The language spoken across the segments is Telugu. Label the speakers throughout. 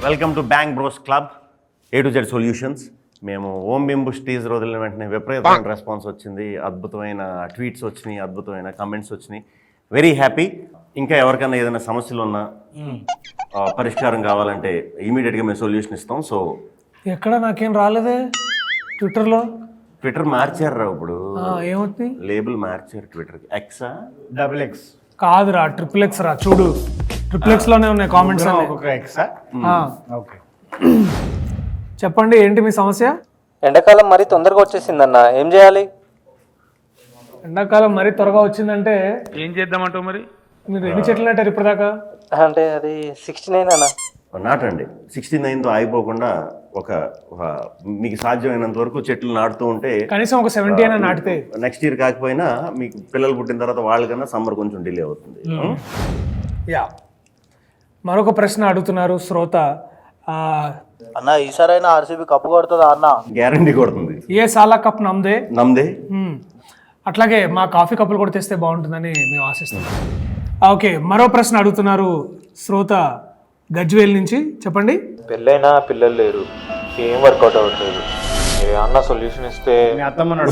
Speaker 1: Welcome to bank bros club A to Z solutions. మేము ఓం బింబుష్ టీజర్ వదిలిన వెంటనే విపరీతమైన రెస్పాన్స్ వచ్చింది, అద్భుతమైన ట్వీట్స్ వచ్చినాయి, అద్భుతమైన కమెంట్స్ వచ్చినాయి. Very happy. ఇంకా ఎవరికైనా ఏదైనా సమస్యలు ఉన్నా పరిష్కారం కావాలంటే ఇమీడియట్గా మేము సొల్యూషన్ ఇస్తాం. సో
Speaker 2: ఎక్కడ నాకేం రాలేదే
Speaker 1: ట్విట్టర్ మార్చారు ఇప్పుడు,
Speaker 2: ఏమవుతుంది?
Speaker 1: లేబుల్ మార్చారు ట్విట్టర్కి. ఎక్సా
Speaker 3: XX
Speaker 2: కాదురా, XXX రా. చూడు XXX లోనే ఉన్నాయి కామెంట్స్ అన్ని.
Speaker 3: ఎక్సా ఓకే.
Speaker 2: చెప్పండి, ఏంటి మీ సమస్య?
Speaker 4: ఎండాకాలం మరీ తొందరగా వచ్చేసిందన్న, ఏం చేయాలి?
Speaker 2: ఎండాకాలం మరీ త్వరగా వచ్చిందంటే
Speaker 5: ఏం చేద్దామంటావు మరి?
Speaker 2: మీరు ఎన్ని చెట్లు నాటారు ఇప్పటిదాకా?
Speaker 4: అంటే అది 69 అన్న.
Speaker 1: నాటండి. 69తో ఆగిపోకుండా ఒక మీకు సాధ్యమైనంత వరకు చెట్లు నాటుతూ ఉంటే
Speaker 2: కనీసం ఒక 70 అయినా నాటితే
Speaker 1: నెక్స్ట్ ఇయర్ కాకపోయినా మీకు పిల్లలు పుట్టిన తర్వాత వాళ్ళకన్నా సమ్మర్ కొంచెం డిలే అవుతుంది.
Speaker 2: యా, మరొక ప్రశ్న అడుగుతున్నారు శ్రోత.
Speaker 6: అన్న ఈసారైనా ఆర్సీబీ కప్పు కొడుతుందా అన్న?
Speaker 1: గ్యారంటీ కొడుతుంది.
Speaker 2: ఏ సాలా కప్ నమ్దే. అట్లాగే మా కాఫీ కప్పులు కూడా తెస్తే బాగుంటుందని మేము ఆశిస్తున్నాం. ఓకే, మరో ప్రశ్న అడుగుతున్నారు శ్రోత గజ్వేల్ నుంచి. చెప్పండి.
Speaker 7: పెళ్ళైనా పిల్లలు లేరు, ఏం వర్కౌట్ అవ్వట్లేదు, మీరు ఏమన్నా సొల్యూషన్ ఇస్తే.
Speaker 3: మీ అత్తమ్మ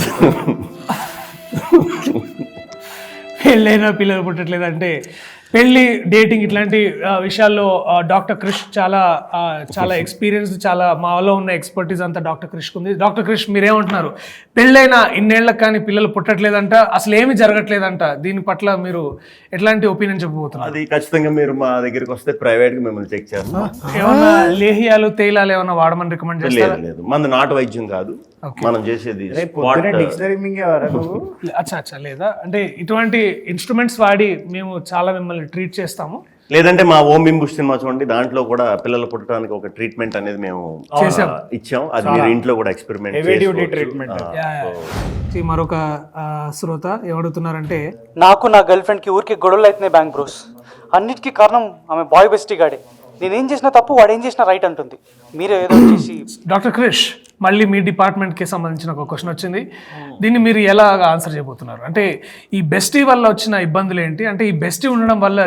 Speaker 2: పెళ్ళైనా పిల్లలు పుట్టట్లేదు అంటే పెళ్ళి, డేటింగ్ ఇట్లాంటి విషయాల్లో డాక్టర్ క్రిష్ చాలా ఎక్స్పీరియన్స్, చాలా మాలో ఉన్న ఎక్స్పర్టీస్ అంతా డాక్టర్ క్రిష్కి ఉంది. డాక్టర్ క్రిష్, మీరేమంటున్నారు? పెళ్ళైనా ఇన్నేళ్లకు కానీ పిల్లలు పుట్టట్లేదంట, అసలు ఏమీ జరగట్లేదంట. దీని పట్ల మీరు ఎట్లాంటి ఒపీనియన్ చెప్పబోతున్నారు?
Speaker 1: అది ఖచ్చితంగా మీరు మా దగ్గరికి వస్తే ప్రైవేట్గా మిమ్మల్ని చెక్ చేస్తాం.
Speaker 2: ఏమన్నా లేహ్యాలు, తేలాలు ఏమన్నా వాడమని రికమెండ్ చేస్తారా?
Speaker 1: లేదు, మంది నాటు వైద్యం కాదు మనం చేసేది.
Speaker 2: అచ్చా లేదా, అంటే ఇటువంటి ఇన్స్ట్రుమెంట్స్ వాడి మేము చాలా మిమ్మల్ని ట్రీట్ చేస్తాము.
Speaker 1: లేదంటే మా ఓం బింబుష్ సినిమా చూడండి, దాంట్లో కూడా పిల్లలు పుట్టడానికి ఒక ట్రీట్మెంట్ అనేది మేము ఇచ్చాం. అది మీరు ఇంట్లో కూడా ఎక్స్పెరిమెంట్
Speaker 2: చేసి. మరొక శ్రోత ఏమడుగుతున్నారంటే,
Speaker 4: నాకు నా గర్ల్ ఫ్రెండ్కి ఊరికి గొడవలు అవుతున్నాయి బ్యాంక్ బ్రోస్. అన్నిటికీ కారణం ఆమె బాయ్ బెస్టీ గాడే. నేనేం చేసినా తప్పు, వాడు ఏం చేసినా రైట్ అంటుంది. మీరే ఏదో చేసి. డాక్టర్
Speaker 2: క్రిష్, మళ్ళీ మీ డిపార్ట్మెంట్కి సంబంధించిన ఒక క్వశ్చన్ వచ్చింది. దీన్ని మీరు ఎలా ఆన్సర్ చేయబోతున్నారు? అంటే ఈ బెస్టీ వల్ల వచ్చిన ఇబ్బందులు ఏంటి? అంటే ఈ బెస్టీ ఉండడం వల్ల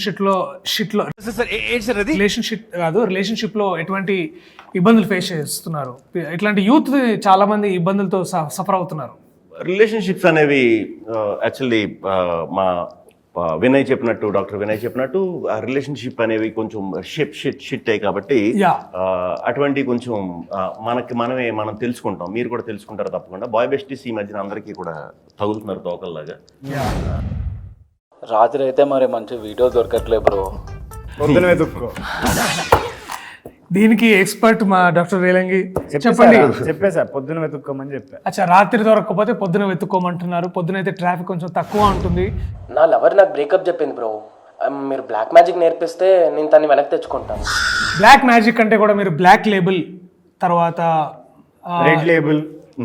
Speaker 2: రిలేషన్షిప్లో ఎటువంటి ఇబ్బందులు ఫేస్ చేస్తున్నారు? ఇట్లాంటి యూత్ చాలా మంది ఇబ్బందులతో సఫర్ అవుతున్నారు.
Speaker 1: రిలేషన్షిప్స్ అనేవి యాక్చువల్లీ మా డాక్టర్ వినయ్ చెప్పినట్టు రిలేషన్షిప్ అనేవి కొంచెం షిట్ అయ్యి కాబట్టి అటువంటి కొంచెం మనం తెలుసుకుంటాం, మీరు కూడా తెలుసుకుంటారు తప్పకుండా. బాయ్ బెస్టీస్ ఈ మధ్యన అందరికీ కూడా తగులుతున్నారు తోకల్లాగా.
Speaker 6: రాత్రి అయితే మరి మంచి వీడియో దొరకట్లే బ్రో.
Speaker 3: పొద్దున వెతుక్కో.
Speaker 2: దీనికి ఎక్స్పర్ట్ మా డాక్టర్ రేలంగి. చెప్పండి.
Speaker 3: చెప్పేసా, పొద్దున వెతుక్కోమని చెప్పా.
Speaker 2: అచ్చా, రాత్రి దొరకకపోతే పొద్దున వెతుక్కోమంటున్నారు. పొద్దున అయితే ట్రాఫిక్ కొంచెం తక్కువ ఉంటుంది.
Speaker 8: నా లవర్ నాకు బ్రేకప్ చెప్పింది బ్రో. మీరు బ్లాక్ మ్యాజిక్ నేర్పిస్తే నేను తన్ని వెనక్కి తెచ్చుకుంటాను.
Speaker 2: బ్లాక్ మ్యాజిక్ అంటే కూడా మీరు బ్లాక్ లేబుల్, తర్వాత
Speaker 3: రెడ్ లేబుల్,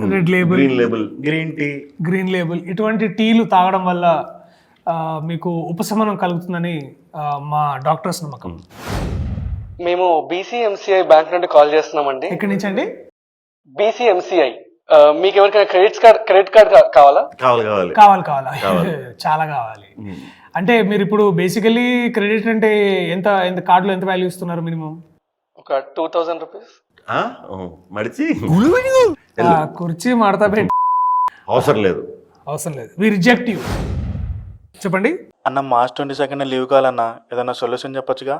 Speaker 2: గ్రీన్ లేబుల్ ఇటువంటి టీలు తాగడం వల్ల మీకు ఉపశమనం కలుగుతుందని మా డాక్టర్స్ నమ్మకం.
Speaker 4: మేము BCMCI బ్యాంక్ నుండి కాల్ చేస్తున్నామండి.
Speaker 2: ఎక్కడి నుంచి అండి?
Speaker 4: BCMCI. మీకు ఎవరికైనా క్రెడిట్ కార్డ్ కావాలా?
Speaker 2: కావాలా? చాలా కావాలి. అంటే మీరు ఇప్పుడు బేసికలీ క్రెడిట్ అంటే ఎంత కార్డులో ఎంత వాల్యూ ఇస్తున్నారు? మినిమం
Speaker 4: ఒక 2000 రూపీస్.
Speaker 1: మడిచి
Speaker 2: కుర్చీ మడతా పెట్టి
Speaker 1: అవసరం లేదు.
Speaker 2: We reject you. చెప్పండి
Speaker 6: అన్న. మార్చ్ 22 లీవ్ కావాలన్నా, ఏదన్నా సొల్యూషన్ చెప్పొచ్చుగా?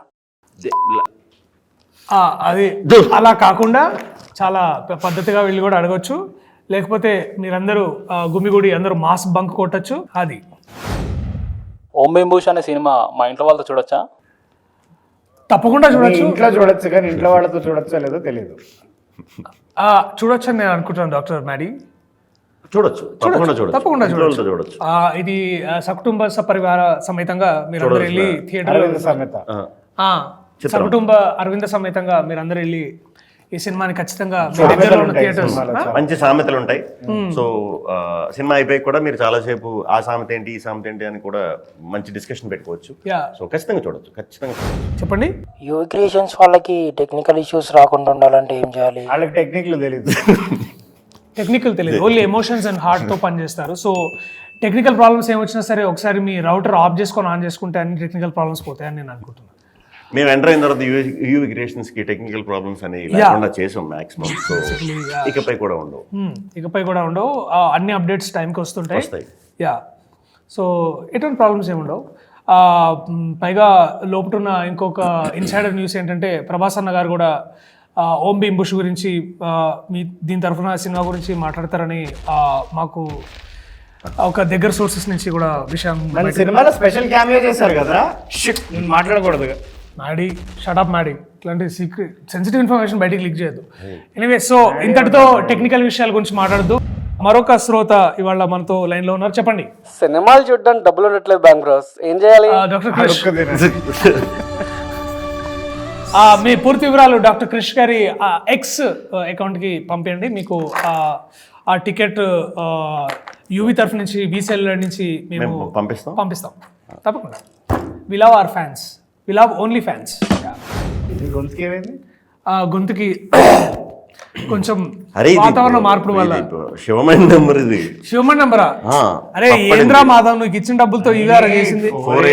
Speaker 2: అది అలా కాకుండా చాలా పద్ధతిగా వెళ్ళి కూడా అడగచ్చు. లేకపోతే మీరందరూ గుమిగుడి అందరూ మాస్ బంక్ కొట్టచ్చు. అది
Speaker 6: ఓం బింబుష్ అనే సినిమా మా ఇంట్లో వాళ్ళతో చూడొచ్చా?
Speaker 2: తప్పకుండా చూడొచ్చు.
Speaker 3: ఇంట్లో చూడొచ్చు, కానీ ఇంట్లో వాళ్ళతో చూడొచ్చో లేదో తెలియదు.
Speaker 2: చూడొచ్చు అని నేను అనుకుంటున్నాను డాక్టర్ మ్యాడీ.
Speaker 1: తప్పకుండా చూడొచ్చు.
Speaker 2: ఇది సకుటుంబ సపరివార సమేతంగా మీరందరూ వెళ్ళి థియేటర్ సకుటుంబ అరవింద సమేతంగా మీరందరూ వెళ్ళి ఈ సినిమాని ఖచ్చితంగా
Speaker 1: మంచి సామెతలు ఉంటాయి. సో సినిమా అయిపోయి కూడా మీరు చాలాసేపు ఆ సామెత ఏంటి, ఈ సామెత ఏంటి అని కూడా మంచి డిస్కషన్ పెట్టుకోవచ్చు. సో ఖచ్చితంగా చూడొచ్చు.
Speaker 2: చెప్పండి.
Speaker 8: యూత్ క్రియేషన్స్ వాళ్ళకి టెక్నికల్ ఇష్యూస్ రాకుండా ఉండాలంటే ఏం చేయాలి?
Speaker 3: వాళ్ళకి టెక్నికల్
Speaker 2: తెలియదు, ఓన్లీ ఎమోషన్స్ అండ్ హార్ట్తో పనిచేస్తారు. సో టెక్నికల్ ప్రాబ్లమ్స్ ఏమొచ్చినా సరే ఒకసారి మీ రౌటర్ ఆఫ్ చేసుకొని ఆన్ చేసుకుంటే అన్ని టెక్నికల్ ప్రాబ్లమ్స్ పోతాయని నేను అనుకుంటున్నాను.
Speaker 1: మేము ఎంటర్ అయిన తర్వాత యూవి క్రియేషన్స్ కి టెక్నికల్ ప్రాబ్లమ్స్ అనేవి లేకుండా చేసాం మాక్సిమం. సో ఇకపై కూడా ఉండవు.
Speaker 2: ఇకపై కూడా ఉండవు. అన్ని అప్డేట్స్ టైంకి వస్తుంటాయి.
Speaker 1: వస్తాయి.
Speaker 2: యా, సో ఎటువంటి ప్రాబ్లమ్స్ ఏమి ఉండవు. పైగా లోపటున్న ఇంకొక ఇన్సైడర్ న్యూస్ ఏంటంటే ప్రభాస్ అన్న గారు కూడా ఓం భీమ్ బుష్ గురించి మీ దీని తరఫున సినిమా గురించి మాట్లాడతారని మాకు ఒక దగ్గర సోర్సెస్ నుంచి కూడా విషయం.
Speaker 3: మన సినిమాలో స్పెషల్ క్యామియో చేశారు కదా, షిట్ నేను మాట్లాడకూడదు.
Speaker 2: మ్యాడీ షటప్ మ్యాడీ, ఇట్లాంటి సీక్రెట్ సెన్సిటివ్ ఇన్ఫర్మేషన్ బయటికి లీక్ చేయొద్దు. ఎనీవే, సో ఇంతటితో టెక్నికల్ విషయాల గురించి మాట్లాడద్దు. మరొక శ్రోత ఇవాళ మనతో లైన్ లో ఉన్నారు. చెప్పండి.
Speaker 8: సినిమాలు చూడడానికి డబ్బులు ఉండట్లేదు బ్యాంక్ బ్రోస్, ఏం చేయాలి?
Speaker 2: డాక్టర్ క్రిష్, మీ పూర్తి వివరాలు డాక్టర్ క్రిష్ గారి ఎక్స్ అకౌంట్ కి పంపించండి. మీకు ఆ టికెట్ యూవి తరఫు నుంచి బీసీఎల్ నుంచి మేము పంపిస్తాం తప్పకుండా. We love our fans, we love only fans.
Speaker 3: గొంతుకి ఏమైంది?
Speaker 2: గొంతుకి కొంచెం వాతావరణ మార్పుల వల్ల.
Speaker 1: శివమణి నెంబర్ ఇది.
Speaker 2: శివమణి నెంబరా? అరే ఏంద్రా మాధవ్, నువ్వు ఇచ్చిన డబ్బులతో ఇవాళ చేసింది.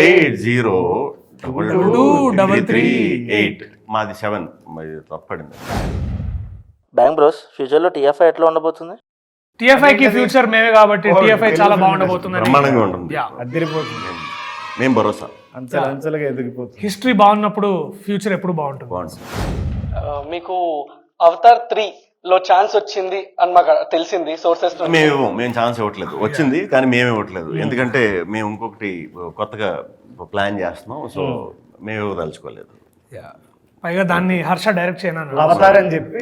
Speaker 1: 48022338. మాది 7. మరి తప్పడింది.
Speaker 5: బ్యాంక్ బ్రోస్, ఫ్యూచర్లో టీఎఫ్ఐ ఎట్లా ఉండబోతుంది?
Speaker 2: టీఎఫ్ఐ కి ఫ్యూచర్ మేమే కాబట్టి టీఎఫ్ఐ చాలా బాగుండబోతుంది.
Speaker 1: బ్రహ్మాండంగా ఉంటుంది.
Speaker 3: అద్దరిపోతుంది.
Speaker 1: మేము భరోసా.
Speaker 3: అంచెలుగా ఎదిగిపోతుంది.
Speaker 2: హిస్టరీ బాగున్నప్పుడు ఫ్యూచర్ ఎప్పుడు బాగుంటుంది.
Speaker 8: మీకు అవతార్ 3 లో ఛాన్స్ వచ్చింది అని మాకు తెలిసింది సోర్సెస్.
Speaker 1: మేము ఛాన్స్ ఇవ్వట్లేదు. వచ్చింది కానీ మేము ఇవ్వట్లేదు. ఎందుకంటే మేము ఇంకొకటి కొత్తగా ప్లాన్ చేస్తున్నాం. సో మేము ఇవ్వదలుచుకోలేదు.
Speaker 2: పైగా దాన్ని హర్ష డైరెక్ట్ చేయను
Speaker 3: అవతారని చెప్పి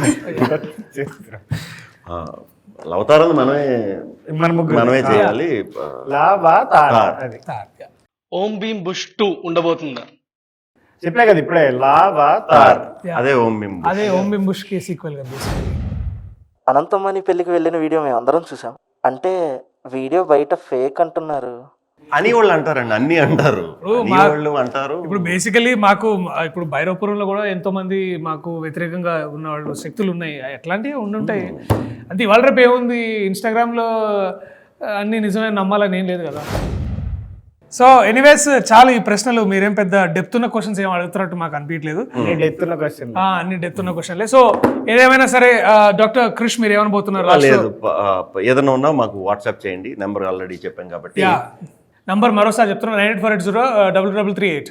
Speaker 1: అవతారం మనమే చేయాలి.
Speaker 8: ఓం భీమ్ బుష్ 2 ఉండబోతుందా?
Speaker 3: చెప్పలే కదా ఇప్పుడే, లావా తార్.
Speaker 1: అదే ఓం భీమ్
Speaker 2: బుష్ కి సీక్వెల్ గా.
Speaker 5: అనంతమణి పెళ్లికి వెళ్ళిన వీడియో మేము అందరం చూసాం. అంటే వీడియో బయట ఫేక్ అంటున్నారు
Speaker 1: అని వాళ్ళు అంటారండి. అన్ని అంటారు, వాళ్ళు అంటారు.
Speaker 2: ఇప్పుడు బేసికలీ మాకు ఇప్పుడు భైరవపురంలో కూడా ఎంతో మంది మాకు వ్యతిరేకంగా ఉన్న వాళ్ళు శక్తులు ఉన్నాయి. ఎట్లాంటివి ఉండుంటాయి. అంటే ఇవాళ రేపు ఏముంది, ఇన్స్టాగ్రామ్ లో అన్ని నిజమే నమ్మాలని ఏం లేదు కదా. సో ఎనీవేస్, చాలా ఈ ప్రశ్నలు మీరేం పెద్ద డెప్త్ ఉన్న క్వశ్చన్స్ ఏం అడుగుతున్నట్టు మాకు అనిపించలేదు.
Speaker 3: అన్ని
Speaker 2: డెప్త్ ఉన్న క్వశ్చన్లే. సో ఏదేమైనా సరే డాక్టర్ క్రిష్ మీరు ఏమనబోతున్నారు?
Speaker 1: లేదు, ఏదైనా ఉన్నా మాకు వాట్సాప్ చేయండి. నెంబర్ ఆల్రెడీ చెప్పాం కాబట్టి.
Speaker 2: నంబర్ మరోసారి చెప్తున్నా, 9848033338.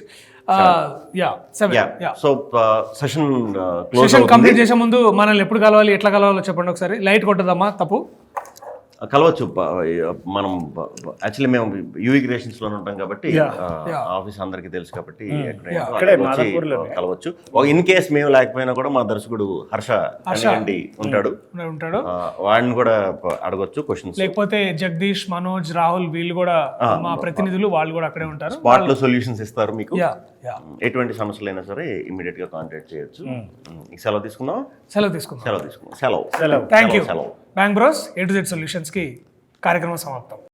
Speaker 1: సో సెషన్
Speaker 2: కంప్లీట్ చేసే ముందు మనల్ని ఎప్పుడు కలవాలి, ఎట్లా కలవాలో చెప్పండి ఒకసారి. లైట్ కొట్టదమ్మా, తప్పు
Speaker 1: కలవచ్చు. మనం యాక్చువల్లీ మేము యూవి క్రియేషన్స్ లో ఉంటాం కాబట్టి ఆఫీస్ అందరికి తెలుసు కాబట్టి కలవచ్చు. ఇన్ కేస్ మేము లేకపోయినా కూడా మా దర్శకుడు హర్ష ఉంటాడు. వాడిని కూడా అడగొచ్చు క్వశ్చన్స్.
Speaker 2: లేకపోతే జగదీష్, మనోజ్, రాహుల్ వీళ్ళు కూడా మా ప్రతినిధులు, వాళ్ళు కూడా అక్కడే ఉంటారు.
Speaker 1: స్పాట్ లో సొల్యూషన్స్ ఇస్తారు మీకు. ఎటువంటి సమస్యలు అయినా సరే ఇమీడియట్ గా కాంటాక్ట్ చేయొచ్చు. సెలవు తీసుకుందాం.
Speaker 2: సెలవు.
Speaker 1: Thank you.
Speaker 2: Bank bros A to Z solutions కి కార్యక్రమం సమాప్తం.